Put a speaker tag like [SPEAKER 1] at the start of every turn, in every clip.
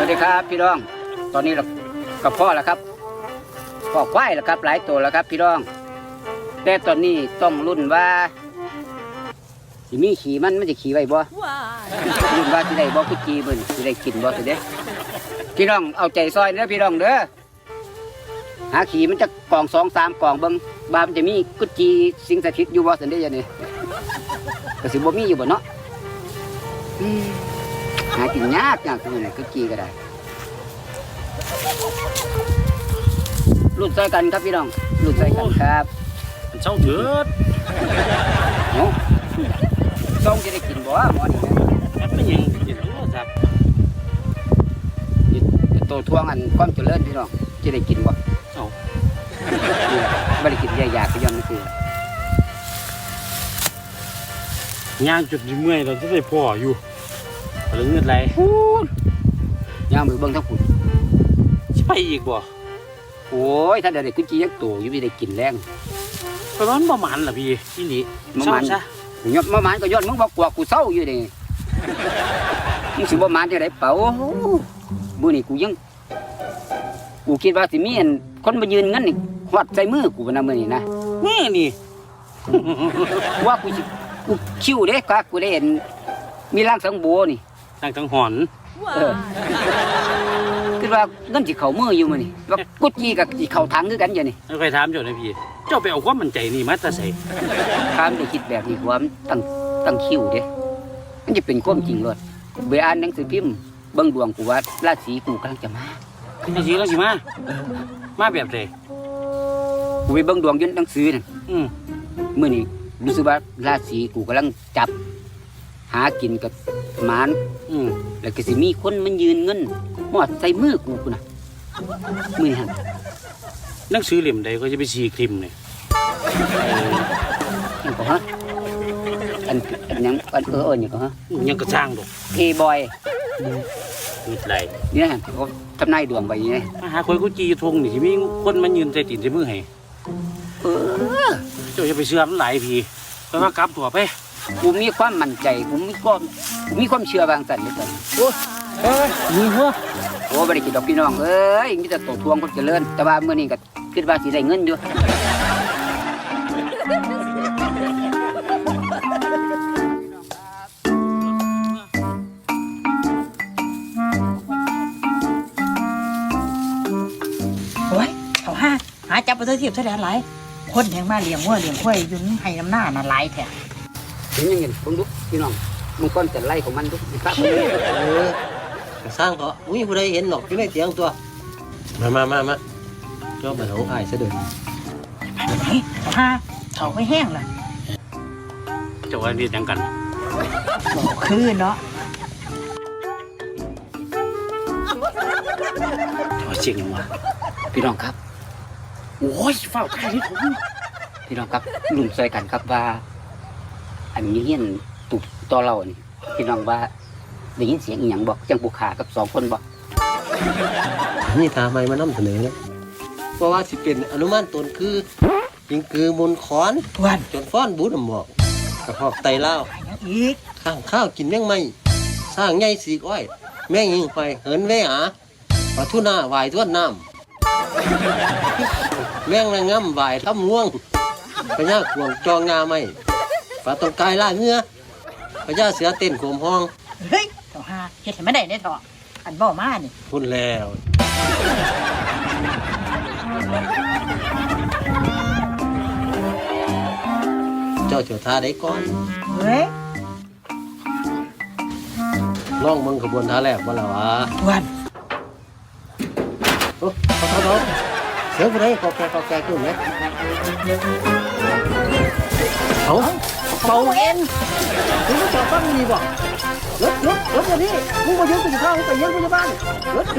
[SPEAKER 1] ดีครับพี่น้องตอนนี้เรากับพ่อแล้วครับพ่อควายแล้วครับหลายตัวแล้วครับพี่น้องแต่ตอนนี้ต้องรุ่นว่าสิมีขี่มันจะขี่ไว้บ่รุ่นว่าสิได้บ่กุจีบึ้นสิได้กินบ่สิเด้พี่น้องเอาใจซอยเด้อพี่น้องเด้อหาขี่มันจะกล่อง2-3กล่องเบิ่งบามันจะมีกุจีสิงสถิตอยู่บ่สิเด้อนี่ก็สิบ่มีอยู่บ่เนาะหากินยากตรงนี้กุจีก็ได้รุ่นใส่กันครับพี่น้องรุ่นใส่กันครับ
[SPEAKER 2] เช่าเถิด
[SPEAKER 1] เนาะต้องจะได้กินบ่หมอนี่
[SPEAKER 2] นะไม่ยังกินหรอกครับ
[SPEAKER 1] ตัวทวงอันความเจริญพี่น้องจะได้กินบ่
[SPEAKER 2] เอา
[SPEAKER 1] ไม่ได้กินยากๆก็ย้อนนี่คื
[SPEAKER 2] อย่างจุดยิ้มเมื่อยเราจะได้พ่ออยู่หรือเงินไร
[SPEAKER 1] ย่างมือเบิ้งทั้งฝุ่น
[SPEAKER 2] จะไปอีกบ่
[SPEAKER 1] โอ้ยถ้าได้กุจียักตัวอยู่ไม่ได้กินแรง
[SPEAKER 2] ประมาณประมาณล่ะพี่ที่นี่
[SPEAKER 1] ประมาณซะยอดประมาณก็ยอดมึงบอกกว่ากูเศร้าอยู่ดิมึงสิประมาณจะได้เป่าบุนี่กูยังกูคิดว่าสิมีอันคนมายืนงั้นนี่หอดใส่มือกูนะมือนี่นะ
[SPEAKER 2] นี่
[SPEAKER 1] ว่ากูคิ้วเด้กะกูได้เห็นมีร่างสังโบนี่
[SPEAKER 2] ร่างสังหอน
[SPEAKER 1] คิดว่าเงินสิเข่ามืออยู่มือนี่ว่ากุจีกับสิเข่าถังคือกันอยู่นี่
[SPEAKER 2] ไม่เคยถามเจ้านะพี่เจ้าไปเอาความมั่นใจนี่มาแต่ใส่
[SPEAKER 1] ถามได้คิดแบบนี้ความตั้งคิ้วเด้มันจะเป็นความจริงเลยเบอ่านหนังสือพิมพ์เบิ้งดวงกูว่าราศีกูกำลังจะมา
[SPEAKER 2] ราศีแล้วสิมาแบบไหน
[SPEAKER 1] กูไปเบิ้งดวงยืนหนังสือนั่นเมื่อนี้รู้สึกว่าราศีกูกำลังจับหากินกับหมานแล้วก็สิมีคนมันยืนเงินหอดใส่มือกูนะมือนี่ฮะ
[SPEAKER 2] หนังสือเล่มใดก็จะไปซีครีมเลย
[SPEAKER 1] ยังก็ฮะอันยังอันยังก็ฮะ
[SPEAKER 2] ยังกระช่างดอก
[SPEAKER 1] เพย์บอย
[SPEAKER 2] มีอะไร
[SPEAKER 1] นี่ฮะเขาทำนายดวงไปนี่
[SPEAKER 2] มาหาคนกูจีทงนี่ที่มีคนมันยืนใจติ่นใจมือให้เจ้าจะไปเชื่อมันหลายพีไปว่ากลับตัวไป
[SPEAKER 1] กูมีความมั่นใจกูมีความเชื่อบางสันเลยกัน
[SPEAKER 2] มีหัว
[SPEAKER 1] โอ้บริกิตดอกพี่น้องเอ้ยมีแต่ตัวทวงคนเจริญแต่ว่าเมื่อนี้ก็คิดว่าสิได้เงินอยู่
[SPEAKER 3] โอ้ยเขาหาจับไปเทียบเท่าไหร่คนแทงมาเลี้ยงวัวเลี้ยงควายยุ่งให้น้ำหน้าน่ะหลายแท้
[SPEAKER 1] ถึงยังเห็นผมดูพี่น้องมึงก้อนจะไล่ของมันดูครับ
[SPEAKER 4] สร้างเถอะอุ้ยผู้ใดเห็นหรอกที่ไม่เสียงตัวมาเจ้าไปเขาอ้ายซะเดิน
[SPEAKER 3] เขาไม่แห้งเลย
[SPEAKER 2] เจ้าวันนี้ยังกัน
[SPEAKER 3] บอกคือเนาะ
[SPEAKER 2] เสียงยังวะ
[SPEAKER 1] พี่น้องครับ
[SPEAKER 2] โอ้ยเฝ้าใครที่ผม
[SPEAKER 1] พี่น้องครับลุงซอยกันครับว่าอันนี้เงี้ยตุกต่อเรานี่พี่น้องว่าได้ยินเสียงอีหยังบอกจังบุคากับ2คนบอก
[SPEAKER 4] นี่ตาไม่มานำเสนอเลยเพราะว่าสิเป็นอนุมานตนคือยิงคือมนขอนจนฟ้อนบูดหมอกกระเพาะไตเล่า
[SPEAKER 3] อีก
[SPEAKER 4] ข้างข้าวกินแมงไม่สร้างใหญ่สีอ้อยแมงยิงไปเหินแม่หาปลาทูน่าวายท้วนน้ำแมงระงำวายทับง่วงพญาขวงจองงาไม่ปลาตรงกายล่าเนื้อพญาเสือเต้นโขมห้อง
[SPEAKER 3] เฮ้ยเขาเฮ็ดให้ไม่ได้เนี่ยเถอะอันบ่มานี่
[SPEAKER 4] พูดแล้วเจ้าเจ้าท่าได้ก่อน
[SPEAKER 3] เฮ้ย
[SPEAKER 4] ล่องมึงขบวนท่าแรกว่าแล้ววะ
[SPEAKER 3] วัน
[SPEAKER 4] โอ้เขาเสียงอะไรกอกแกขึ้นไหมเอา
[SPEAKER 3] เป่าเอ็น
[SPEAKER 4] มึงจะจับตั้งดีบ่รถวันนี้มึงมาเยอะไปข้าวไปเยอะไปบ้านรถ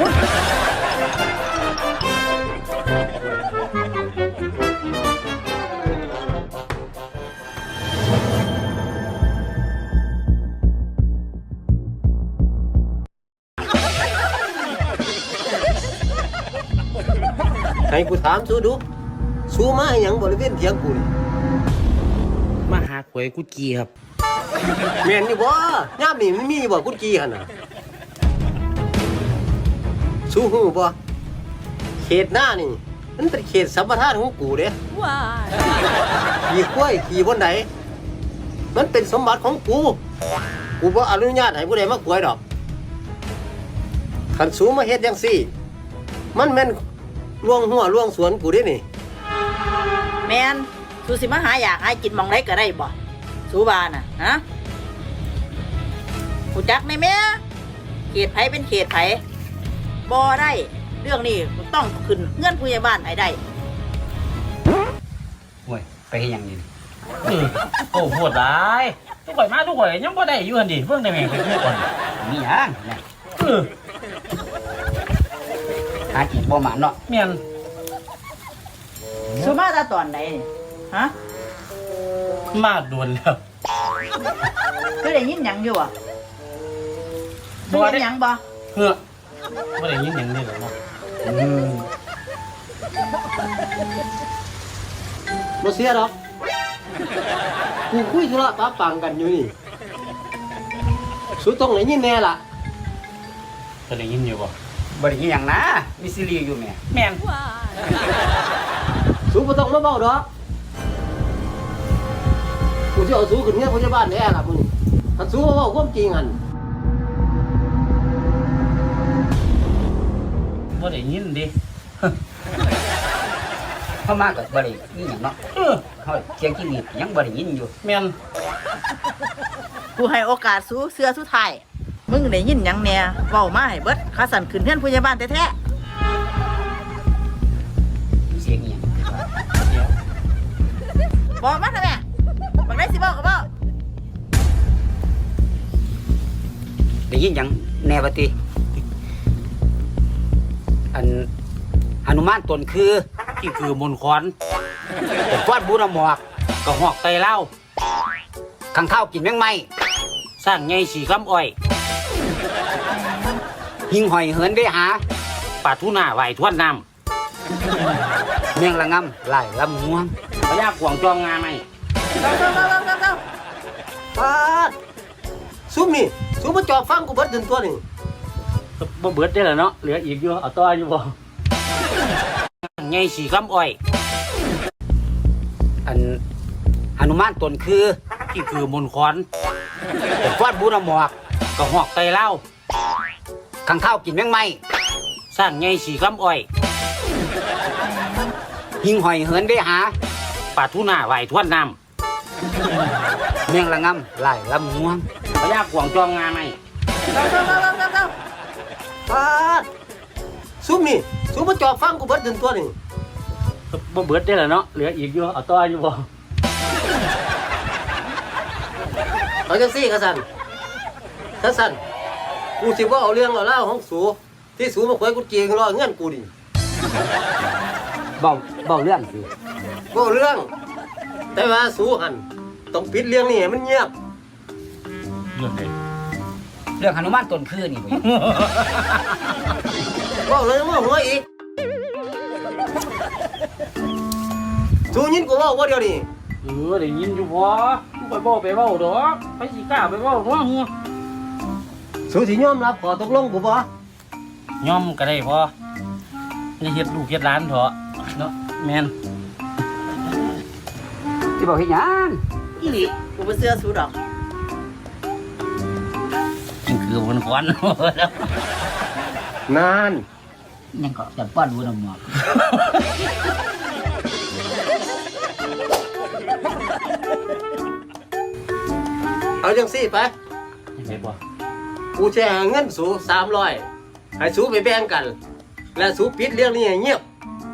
[SPEAKER 4] ให้กูถามสู้ดูสู้มาอย่างบริเวณเถียงกู
[SPEAKER 2] มาหาหวยกูจีครับ
[SPEAKER 4] แม่นนี่บ่ย่ามนี่มันมีบ่กุดกี้หั่นน่ะสู้หูบ่เขตหน้านี่มันเป็นเขตสัมปทานของกูเด้ขี่กล้วยขี่บนไหนมันเป็นสมบัติของกูบ่อนุญาตให้ผู้ใดมากล้วยดอกคันสูมาเฮ็ดจังซี่มันแม่นล่วงหัวล่วงสวนกูเด้นี่
[SPEAKER 3] แมนสูสิมาหาอยากให้กินหมองไรก็ได้บ่สูบาน่ะฮะกูจักในแม่เขตไผเป็นเขตไผบ่ได้เรื่องนี้ต้องขึ้นเงื่อนผู้ใหญ่บ้านให้ได้
[SPEAKER 1] โอ้ยไปเฮ็ดหยังนี่
[SPEAKER 2] โอ้โหดหลายทุกข่อยมาทุกข่อยยังบ่ได้อยู่หั่นดิเพิ่งได้แม่งไปทุกคน
[SPEAKER 1] มีหยังเนี่ย
[SPEAKER 2] เออ
[SPEAKER 1] หากินบ่หมานเนาะ
[SPEAKER 2] แม่น
[SPEAKER 3] สูมาแต่ตอนไหนนี่ฮะ
[SPEAKER 2] มาโดนแล้ว
[SPEAKER 3] เคยได้ยินหยังอยู่บ่เคยได้ยินหยังบ่
[SPEAKER 2] เฮ้อบ่ได้ยินหยังนี่หรอกเนาะ
[SPEAKER 4] บ่เสียดอกกูคุยธุระปะปังกันอยู่นี่สูต้องได้ยินแน่ล่ะ
[SPEAKER 2] ก็ได้ยินอยู่บ่
[SPEAKER 1] บ่ได้ยินหยังนะมีซีรีส์อยู่แม่
[SPEAKER 2] แม่น
[SPEAKER 4] สูบ่ต้องมาเบ้าดอกกูสิเอาสูขึ้นเงี้ยพยาบาลแน่ล่ะมึงถ้าสูมาเว้าความจริงหั่น
[SPEAKER 2] บ่ได้ยินดิ
[SPEAKER 1] เข้ามาก็บ่ได้ยินหยังเนาะ
[SPEAKER 2] เออ
[SPEAKER 1] เฮาเสียงที่นี่ยังบ่ได้ยินอยู่
[SPEAKER 2] แม่น
[SPEAKER 3] กูให้โอกาสสูเสื้อสุดท้ายมึงได้ยินหยังแหน่เว้ามาให้เบิดข้าสั่นขึ้นเงื่อนผู้ใหญ่บ้านแท้
[SPEAKER 1] มีเสียงอีหยัง
[SPEAKER 2] เดี๋ยว
[SPEAKER 3] ๆบอกมาเถอะแม่บักได้สิบอกก็บอก
[SPEAKER 1] ได้ยินหยังแน่บ่ติอันหนุมานตนคือ
[SPEAKER 2] ที่คือมนต์ขอน
[SPEAKER 1] ฟาดบูนหมอก
[SPEAKER 2] ก็หอกไตเหล้า
[SPEAKER 1] ข้างเท้ากินแมงไม้
[SPEAKER 2] สร้างใหญ่สีคำอ้อย
[SPEAKER 1] หิงหอยเหินได้หา
[SPEAKER 2] ปลาทูน่าไหวทวนน้
[SPEAKER 1] เมียงละงำไหลลำง่วง
[SPEAKER 2] ำพญากวางจองงาไหม
[SPEAKER 3] เร็ว
[SPEAKER 4] ปาดซุมนี่สูมาจอบฟังกูเบิดจนตัวนี่
[SPEAKER 2] บ่เบิดได้แล้วเนาะเหลืออีกอยู่เอาต่ออยู่บ่ใหญ่สีคำอ้อย
[SPEAKER 1] อันหนุมานตนคือ
[SPEAKER 2] ที่คือมนต์ขอน
[SPEAKER 1] ฟาดบูนหมอก
[SPEAKER 2] ก็หอกไตเหล้า
[SPEAKER 1] ข้างเท้ากินแมงไม้
[SPEAKER 2] สร้างใหญ่สีคำอ้อย
[SPEAKER 1] หิงหอยเหินได้หา
[SPEAKER 2] ปลาทูน่าไหวทวนน้
[SPEAKER 1] เมียงละงำไหลลำง่วง
[SPEAKER 2] ำพญากวางจองงาไหม
[SPEAKER 4] ปาดซุมนี่สูมาจอบฟังกูเบิดจนตัวนี่
[SPEAKER 2] บ่เบิดได้แล้วเนาะเหลืออีกอยู่เอาต่ออยู่บ่
[SPEAKER 4] เอาจังซี่กะสันถ้าสันกูสิว่าเอาเรื่องเอาเล่าวของสูที่สูมาควยกูเจียงรอเงื่อนกูดิ
[SPEAKER 1] เบาเรื่องสิ
[SPEAKER 4] บ่เรื่อง แต่ว่าสูหันต้องปิดเรื่องนี้ให้มันเงียบ
[SPEAKER 2] เรื่องใด
[SPEAKER 1] เรื่องหนุมานตนคือนี่เว้ย
[SPEAKER 4] บ่เลยว่าหัวอีกสูยินกูเว่าว่าเดียวนี่
[SPEAKER 2] ได้ยินอยู่พอกูไปบ่ไปเว้าดอกไปสิกล้าไปเว้าหัวหัว
[SPEAKER 4] สูสิยอมรับขอตกลงกูบ่
[SPEAKER 2] ย่อมก็ได้พออย่าเฮ็ดลูกเฮ็ดหลานเถอะเนาะแม่น
[SPEAKER 1] ที่บอกเฮ็ดหยัง
[SPEAKER 3] อีหลีกูบ่เสื้อสูดอก
[SPEAKER 2] นี่คือมนต์ขอน
[SPEAKER 4] นาน
[SPEAKER 1] ยังก็แต่ฟาดบูนหมอก
[SPEAKER 4] เอาจังซี่ไป
[SPEAKER 2] ยังไงบ่
[SPEAKER 4] กูแชร์เงินสู300ให้สูไปแบ่งกัน และสูปิดเรื่องนี้ให้เงียบ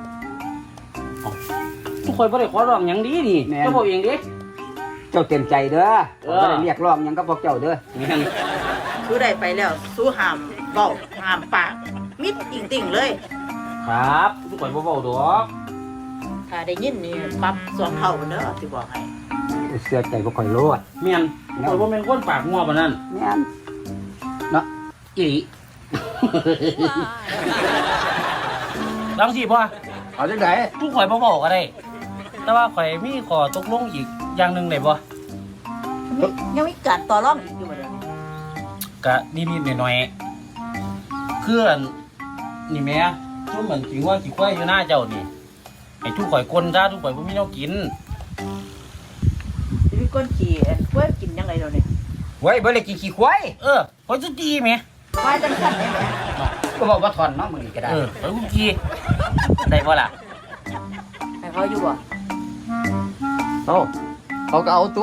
[SPEAKER 2] ทุกคนบ่ได้ขอร้องหยังดีนี่เจ้าบอกเองดิ
[SPEAKER 1] เจ้าเต็มใจเด้อ
[SPEAKER 2] เออ
[SPEAKER 1] บ่ได้เรียกร้องหยังก็พวกเจ้าเด้อ
[SPEAKER 2] แม่น
[SPEAKER 3] สูได้ไปแล้วสูห้ามเว้าห้ามปากมิดติ่งๆเลย
[SPEAKER 2] ครับทุกคนบ่เว้าดอก
[SPEAKER 3] ถ้าได้ยินนี่ปรับสองเท่าเด้อสิบอกให้
[SPEAKER 1] เสื้อใจบ่ค่อยโลด
[SPEAKER 2] แม่นทุกคนบ่แม่นคนปากงัวปานนั้น
[SPEAKER 1] แม่นเนาะอีหลี
[SPEAKER 2] ลองสิพ่อ
[SPEAKER 1] เอาจังได๋
[SPEAKER 2] ทุกข่อยบ่บอกก็ได้ แต่ว่าข่อยมีขอตกลงอีกอย่างหนึงได้บ่
[SPEAKER 3] ยังมีการต่อรองอีกอยู่บ่เด้อ
[SPEAKER 2] ก็นิดๆหน่อยๆคืออันนี่แม่ชุ่มเหมือนกินว่าขี้ควายอยู่หน้าเจ้านี่ไอ้ทุกข่อยกลนซะทุกข่อยบ่มีแนวกิน
[SPEAKER 3] สิมีก้นขี้กล้วยกินยังไงเดี๋ยวนี้
[SPEAKER 1] ไว้บ่ได้กินขี้ควาย
[SPEAKER 2] ข่อยจะจีแม่
[SPEAKER 3] ควายจังสั่นได้ไหม
[SPEAKER 1] ก็บอกว่าถอนเนาะมึงนี่ก็ได้
[SPEAKER 2] ข่อยกูจีได้บ่ล่ะ
[SPEAKER 3] ให้เขาอยู่บ่
[SPEAKER 4] เอาเขาก็เอาตัว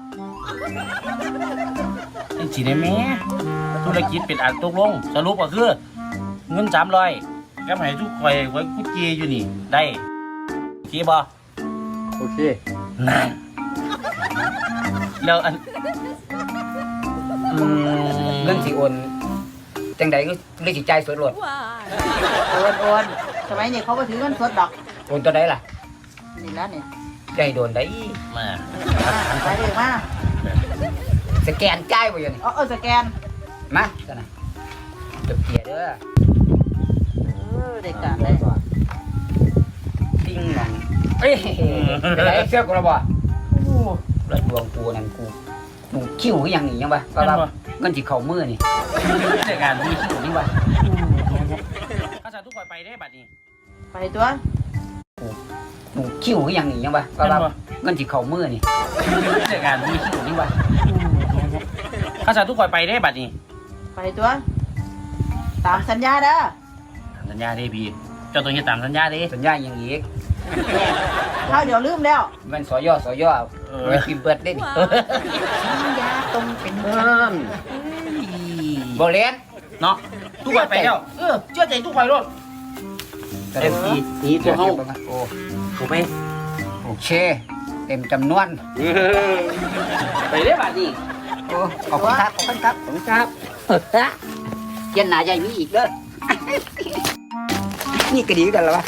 [SPEAKER 2] ไอ้สิได้แม่ธุรกิจเป็นอันตกลงสรุปก็คือเงิน300ก็ให้ทุกข่อยไว้กูจีอยู่นี่ได้โอเคบ่
[SPEAKER 4] โอเค
[SPEAKER 2] นั่นแล้วอัน
[SPEAKER 1] เงินสิโอนจังใดก็เลยสิจ่ายสดโลด
[SPEAKER 3] โอนสมัยนี้เขาก็ถือเงินสดดอก
[SPEAKER 1] โอนตัวใดล่ะ
[SPEAKER 3] นี่แล้วเนี่ย
[SPEAKER 1] ได้โดนได้
[SPEAKER 2] มา
[SPEAKER 3] ไปเลยมา
[SPEAKER 1] สแกนจ่ายบ่อยู่นี่
[SPEAKER 3] เอาสแกน
[SPEAKER 1] มาซั่นน่ะจบเกียร์เด้อ
[SPEAKER 3] ได้การได้
[SPEAKER 1] ติ้งหนังเอ้ยเป็นไรเสื้อกูและบ่โอ้ระดวงกูนั่นกูคิ้วคือหยังนี่ยังวะก็ว่าเงินสิเข้ามือนี่
[SPEAKER 2] จัดการ
[SPEAKER 1] มีคิ้วนี่วะ
[SPEAKER 2] ข้าสารทุกข่อยไปได้บัดนี้
[SPEAKER 3] ไปตัว
[SPEAKER 1] คิ้วคือหยังนี่ยังวะก็ว่าเงินสิเข้ามือนี่
[SPEAKER 2] จัดการ
[SPEAKER 1] มีคิ้วนี่วะ
[SPEAKER 2] ข้าสารทุกข่อยไปได้บัดนี้
[SPEAKER 3] ไปตัว ตามสัญญาเด้อ
[SPEAKER 2] ตามสัญญาเด้พี่เจ้าต้องเฮ็ดตามสัญญาเด้
[SPEAKER 1] สัญญาหยังอีก
[SPEAKER 3] ข้าวเดี๋ยวลืมแล้ว
[SPEAKER 1] มันสอยไม่พิมพ์เบิดได้นี่
[SPEAKER 3] สัญญาตรงเป็น
[SPEAKER 1] บ่เล่น
[SPEAKER 2] เนาะทุกข่อยไปแล้วเชื่อใจทุกข่อยรถ
[SPEAKER 1] เต็มที่
[SPEAKER 2] นี่ตัวเฮา
[SPEAKER 1] โอ้
[SPEAKER 2] เข้าไป
[SPEAKER 1] โอเคเต็มจำนวน
[SPEAKER 2] ไปได้บัดนี้
[SPEAKER 1] โอ้ขอบคุณครับขอบคุณครับขอบคุณครับเย็นหนาใหญ่มีอีกเด้อ นี่ก็ดีกันแล้ววะ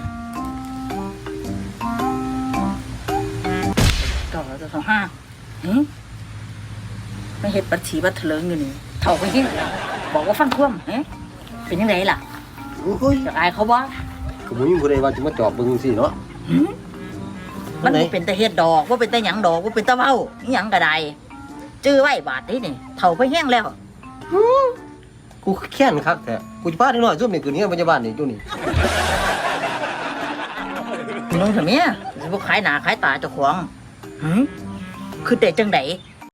[SPEAKER 3] เก่าแล้วจะ25ไม่เห็ดบัญชีบัตรเถลิงอยู่นี่เท่าไปที่บอกว่าฟังท่วมเป็นยังไงล่ะ
[SPEAKER 4] โอ้ย
[SPEAKER 3] อยากอายเขาบ่
[SPEAKER 4] ก็บ่มีผู้ใดว่าจะมาจอบเบิ่งสิเนาะ
[SPEAKER 3] มันบ่เป็นแต่เฮ็ดดอกว่าเป็นแต่หยังดอกว่าเป็นตะเว้าอิหยังก็ได้จื้อไว้บาทนี่เท่าไปแห้งแล้ว
[SPEAKER 4] กูแค้นคักแท้กูจะพาเด็กน้อยซุ่มนี่ขึ้นเฮียนพยาบาลนี่อยู่นี่
[SPEAKER 3] น้องทำไมสิบ่ขายหน้าขายตาเจ้าของคือแต่จังได